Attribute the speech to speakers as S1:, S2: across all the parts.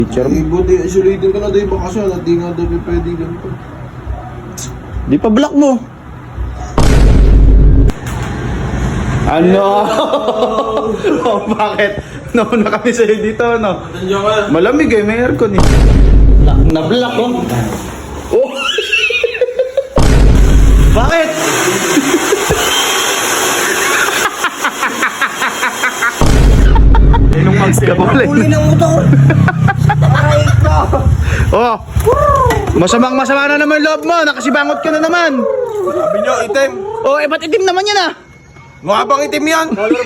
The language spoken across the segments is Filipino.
S1: Teacher mo.
S2: Buti, isolating ka na daw yung bakasyon at di nga daw pwede ganito.
S1: Di pa block mo. Ano? Oh, bakit? Nauna kami sa'yo dito, no?
S2: Nandiyan ka.
S1: Malamig eh, may aircon eh. Na-block oh. Oh! Bakit? Kapulay.
S2: ng motor! Aray ko!
S1: Oh! Masama na naman loob mo. Nakasibangot ka na naman.
S2: Sabi nyo, itim.
S1: Oh, eh ba't itim naman yan ah?
S2: Mukha bang itim yan?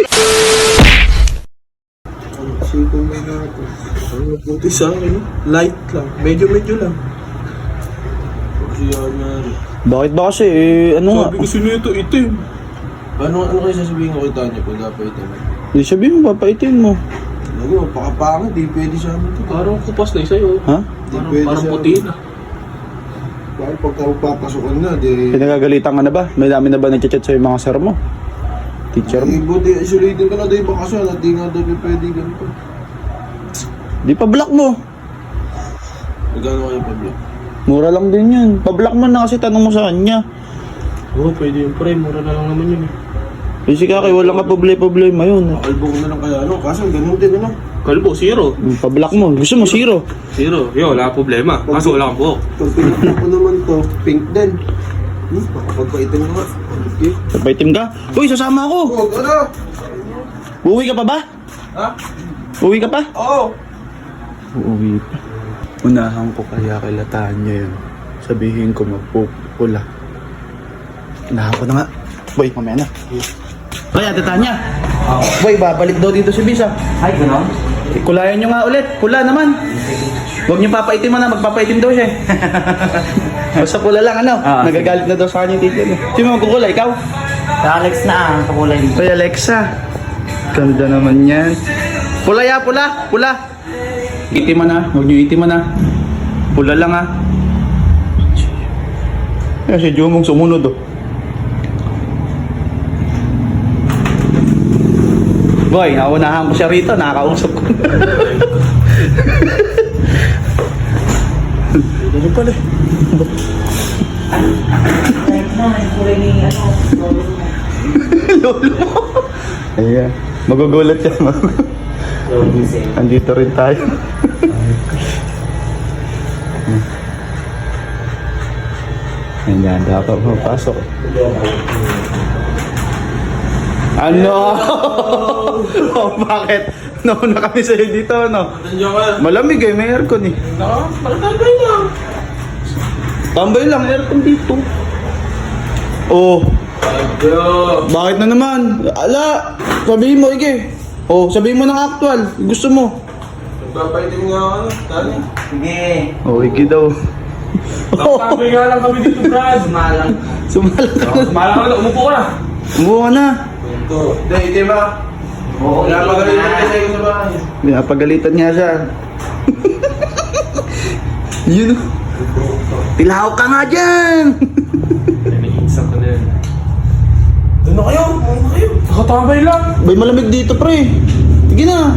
S2: Siko may nga ito. Ang nabuti sa akin, no? Light lang. Medyo lang. Kasi yan nga rin.
S1: Bakit ba kasi eh, ano nga?
S2: Sabi ko sino ito, itim. Ano kayo sasabihin ko kay Tanya kung dapat itim?
S1: Di sabihin mo, papaitin mo.
S2: Ano, pakapangit, di pwede siya mo ito.
S3: Parang kupas na sa'yo.
S1: Ha?
S2: Di pwede
S3: Parang
S2: siya.
S3: puti na.
S2: Bakit pagka magpapasukan na, di...
S1: Pinagagalitan ka na ba? May dami na ba nagchat sa'yo yung mga sir mo? Teacher mo?
S2: Buti, isolating ka na daw yung bakasyon at di nga daw pwede ganito.
S1: Di pa block mo.
S2: Magkano kayo pablo?
S1: Mura lang din yun. Pa-block mo na kasi tanong mo sa kanya.
S3: Oo, pwede yung pre. Mura na lang naman yun eh.
S1: Kasi kaya walang ka problema yun.
S2: Makalbo ko na lang kaya ano, kaso ganun din ano.
S3: Kalbo, zero.
S1: Pa-block mo. Gusto mo zero.
S3: Zero. Yo, wala problema. Kaso wala kang buhok.
S2: Pag pinakita ko naman to, pink din. Pagpaitin ko nga. Okay.
S1: Papaitim ka? Uy, sasama ako.
S2: Huwag ano?
S1: Uuwi ka pa ba?
S2: Ha?
S1: Uuwi ka pa?
S2: Oo.
S1: Uuwi pa. Unahan ko kaya kay Latanya yun. Sabihin ko magpupula. Unahan ko na nga. Boy, mamaya na. Boy, Ate Tanya. Boy, babalik daw dito si Bisa.
S4: Ay, gano'n?
S1: Kulayan nyo nga ulit. Pula naman. Huwag nyo papaitim mo na. Magpapaitim daw siya. Basta pula lang, ano? Nagagalit na daw sa kanya yung teacher. Sino magkukulay? Ikaw?
S4: Alex na ang kakulay dito.
S1: Hoy, Alexa. Ganda naman yan. Pula ya, pula. Pula. Itim mo na. Huwag nyo itim mo na. Pula lang ha. Eh, si Jumong sumunod oh. Boy, naunahan ko siya rito. Nakakausap ko. Ano pala?
S4: Alex na, ang kulay ni ano.
S1: Lolo mo. Ayan. Magugulat siya. Andito rin tayo. Ayan, dapat mapasok. Ano? Oh, bakit? Nauna kami sa'yo dito, no?
S2: Nandiyan ka.
S1: Malamig eh, may aircon eh.
S2: Malatagay lang.
S1: Tambay lang, aircon dito. Oh,
S2: Adyo.
S1: bakit na naman? Ala, sabihin mo, Ige. Oh, sabihin mo ng actual. Gusto mo.
S2: Magpapaitin nga ako, Tanya.
S4: Sige.
S1: Oh, Ige daw.
S3: Sabi nga lang kami dito, Brad.
S4: Sumalang.
S1: Sumalang ka na.
S3: Malang ka na. Umupo ka na.
S1: Umuha ka na.
S2: Ito. Hindi, itim ha.
S4: Oo,
S2: Kaya
S4: itim
S2: magaling
S4: na.
S2: na kayo sa bahay.
S1: Pinapagalitan niya siya. Yun. Tilaw ka nga dyan.
S3: Nag-iisang ka na yan.
S2: Doon na kayo. Doon na kayo.
S3: Nakatambay lang.
S1: Bay, malamig dito, pre. Sige na.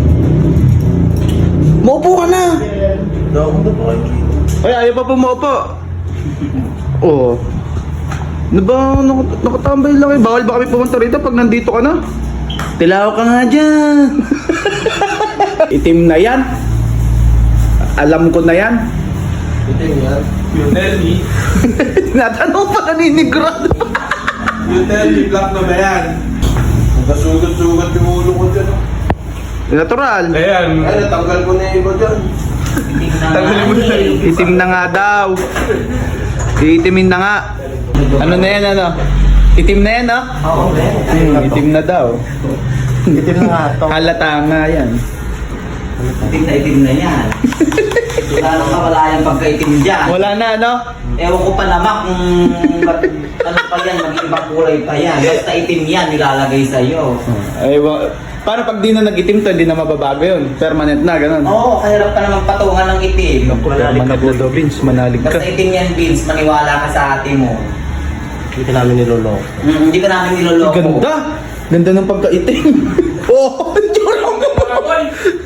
S1: Maupo ka na.
S2: Dahon na pa kayo rito.
S1: Ay, ayaw pa pumaupo. Oo. Ano ba, nakatambay lang eh. Bawal ba kami pumunta rito pag nandito ka na? Tilaw ka nga dyan. Itim na yan. Alam ko na yan.
S2: Itim yan.
S3: You tell me.
S1: Tinatanong pa naninigurado.
S2: You tell me, black na ba yan? Nagkasugat-sugat yung ulo ko dyan. oh.
S1: Natural.
S3: Ayan.
S2: Ay, natanggal ko na yung iba dyan.
S4: Tanggalin mo na.
S1: Itim na nga daw. Iitimin na nga. Ano na yan, ano? Itim na yan, no?
S4: Oo,
S1: Itim na daw.
S4: Itim na nga to.
S1: Halata nga yan.
S4: Itim na yan. Lalo ka wala yung pagkaitim dyan.
S1: Wala na, no?
S4: Ewan ko pa naman kung ano pa yan, mag-ibang kulay pa yan. Basta itim yan, nilalagay sa'yo.
S1: Ay, para pag di na nag-itim to, hindi na mababago yun. Permanent na, ganun.
S4: Oo, kahirap ka naman patungan ng itim.
S1: Permanent na daw, Vince. Manalig ka.
S4: Basta itim yan, Vince, maniwala ka sa ate mo.
S2: Hindi ka namin niloloko.
S4: Hindi ka namin niloloko.
S1: Ganda. Ganda ng pagka-itim. Oh, jorong.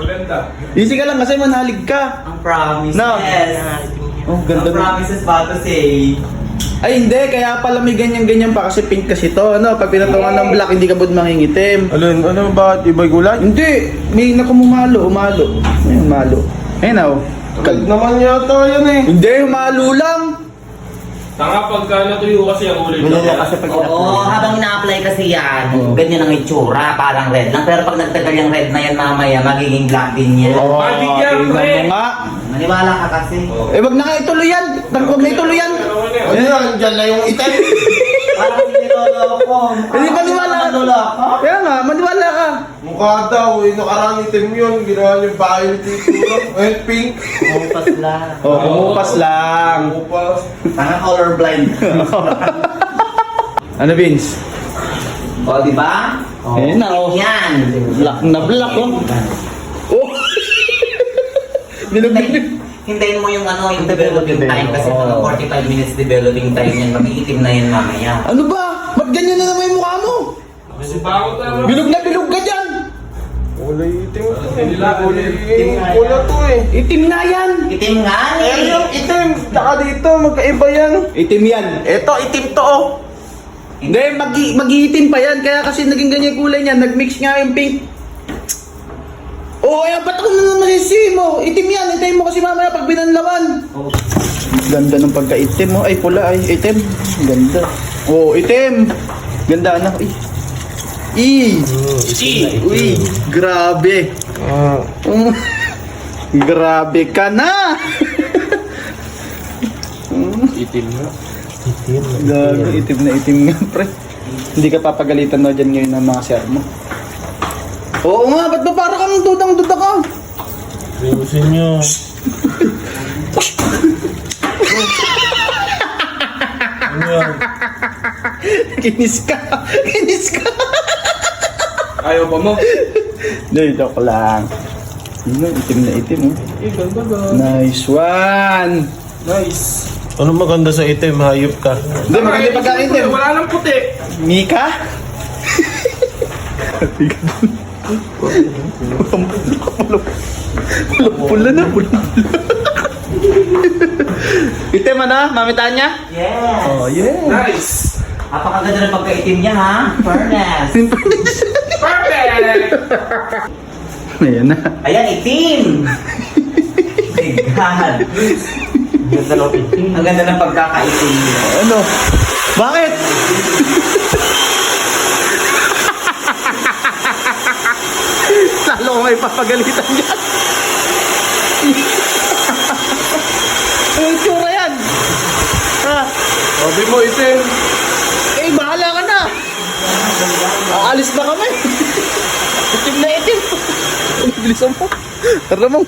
S3: Maganda.
S1: Easy ka lang kasi manalig ka.
S4: Ang promises.
S1: No. Oh, ganda
S4: Ang
S1: na.
S4: promises ba to say?
S1: Ay hindi, kaya pala may ganyan-ganyan pa kasi pink kasi to. Ano, pag pinatungan ng black, hindi ka ba mangingitim?
S2: Ano ba? Iba'y gulay?
S1: Hindi, may umalo. May umalo. Ayun na, oh.
S2: Kalit naman yata yan eh.
S1: Hindi, umalo lang.
S3: Tanga pagka natuyo kasi ang ulit.
S4: Oo, habang ina-apply kasi yan,
S1: Oo.
S4: ganyan ang itsura, parang red lang. Pero pag nagtagal yung red na yan mamaya, magiging black din yan.
S1: Oh,
S3: Magic yan,
S1: tingnan
S3: pre.
S1: mo nga.
S4: Maniwala ka kasi.
S1: Eh, wag na nga ituloy yan. Huwag na ituloy yan.
S2: Ano yan? Diyan na yung item.
S4: Parang sinilolo ko.
S1: Hindi, maniwala ka.
S4: Manloloko.
S1: Kaya nga, maniwala ka.
S2: Mukha daw eh. Nakarang item yun. Ginawa niyo violet dito. Eh, pink.
S4: Kumpas lang.
S1: Oh, kumupas lang.
S2: Upas.
S4: Tanga colorblind.
S1: Ano, Vince?
S4: O, di ba? O,
S1: Ayun na, oh.
S4: Yan.
S1: Black na black, oh. Oh! Bilog-bilog.
S4: Hintayin mo yung ano, yung developing time kasi mga 45 minutes developing time yan. Mag-iitim na yan mamaya.
S1: Ano ba? Ba't ganyan na naman yung mukha mo?
S3: Kasi bakit na
S1: Bilog na bilog ka dyan.
S2: Kulay itim to eh.
S3: Nila,
S2: Kulay
S4: itim nga yan.
S2: Pula to eh.
S1: Itim na yan.
S4: Itim nga
S2: Eh, yung
S4: eh.
S2: itim. Tsaka dito, magkaiba yan.
S1: Itim yan.
S2: Eto, itim to oh.
S1: Hindi, mag-iitim pa yan. Kaya kasi naging ganyan yung kulay niya. Nag-mix nga yung pink. Oh, ay, ba't ako na masisi mo? Itim yan. Hintayin mo kasi mamaya pag binanlawan.
S4: Oh,
S1: Ganda ng pagka-itim mo. Ay, pula ay. Itim. Ganda. Oh, itim. Ganda anak. Uy, grabe. Grabe ka na.
S2: Itim na.
S1: Gago, itim nga, pre. Hindi ka papagalitan na dyan ngayon ng mga sir mo. Oo nga, ba't ba para kang dudang-duda ka?
S2: Ayusin nyo. Ano yan?
S1: Kinis ka.
S3: Ayaw pa mo?
S1: Hindi, joke lang. Yun, itim na itim. Oh.
S3: Eh, ganda ba?
S1: Nice one.
S3: Nice.
S2: Ano maganda sa itim? Hayop ka.
S1: Hindi, maganda pagka-itim.
S3: Wala nang puti.
S1: Mika? Pulang-pula na, pulang-pula. Itim ano, Mami Tanya?
S4: yes.
S1: Oh, yeah.
S3: Nice.
S4: Napakaganda ng pagkaitim niya ha. Fairness.
S3: Perfect.
S1: Ayan na.
S4: Ayan, itim. My God. Ganda ng itim. Ang ganda ng pagkakaitim niya.
S1: Ano? Bakit? Lalo ko may papagalitan dyan. Ang tsura yan. Ha?
S2: Sabi mo itim.
S1: Eh, bahala ka na. Aalis na kami. Itim na itim. Bilisan mo. Tara mo.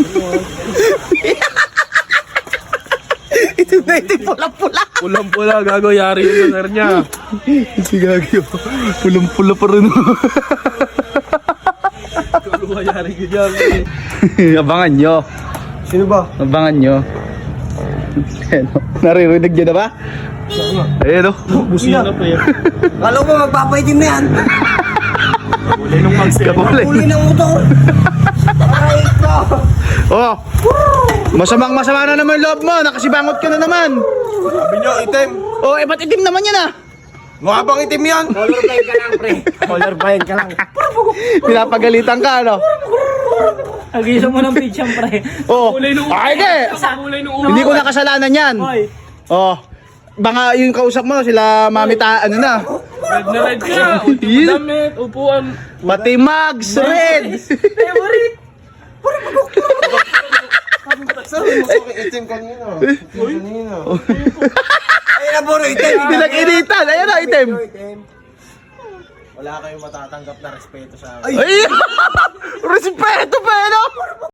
S1: Itim na itim. Pulang-pula.
S2: Pulang-pula. Gago, yari yung lugar niya.
S1: Si Gagyo. Pulang-pula pa rin.
S2: Gago, yari ko dyan.
S1: Abangan nyo.
S2: Sino ba?
S1: Abangan nyo. Ayan, o. Naririnig nyo na ba? Ayan o.
S2: Busina pa yan.
S5: Kala mo magpapaitim na yan.
S2: Kulay nung magsel.
S1: Kapulay.
S5: Huli ng motor. Aray ko.
S1: Oh. Masama na naman yung loob mo. Nakasibangot ka na naman.
S2: Sabi nyo, itim.
S1: Oh, eh ba't itim naman yan ah?
S2: Mukha bang itim yan?
S5: Colorblind ka lang, pre. Colorblind ka lang.
S1: Pinapagalitan ka, ano?
S5: Nag-isa mo ng pitch yan, pre.
S1: Oh.
S3: Kulay nung
S1: Ay, hindi.
S3: Kulay nung ulo.
S1: Hindi ko nakasalanan yan.
S5: Hoy.
S1: Oh. Baka yung kausap mo, sila Mami ano na.
S3: Red na red ka. Ultimo damit. Upuan.
S1: Pati Mags, red.
S5: Favorite.
S2: Sabi mo sa akin, itim kanina. Itim kanina.
S5: Ay, naburo, itim.
S1: Pinag-initan. Ayan na, item.
S2: Wala kayong matatanggap na respeto sa akin.
S1: Ay! Respeto pa, ano?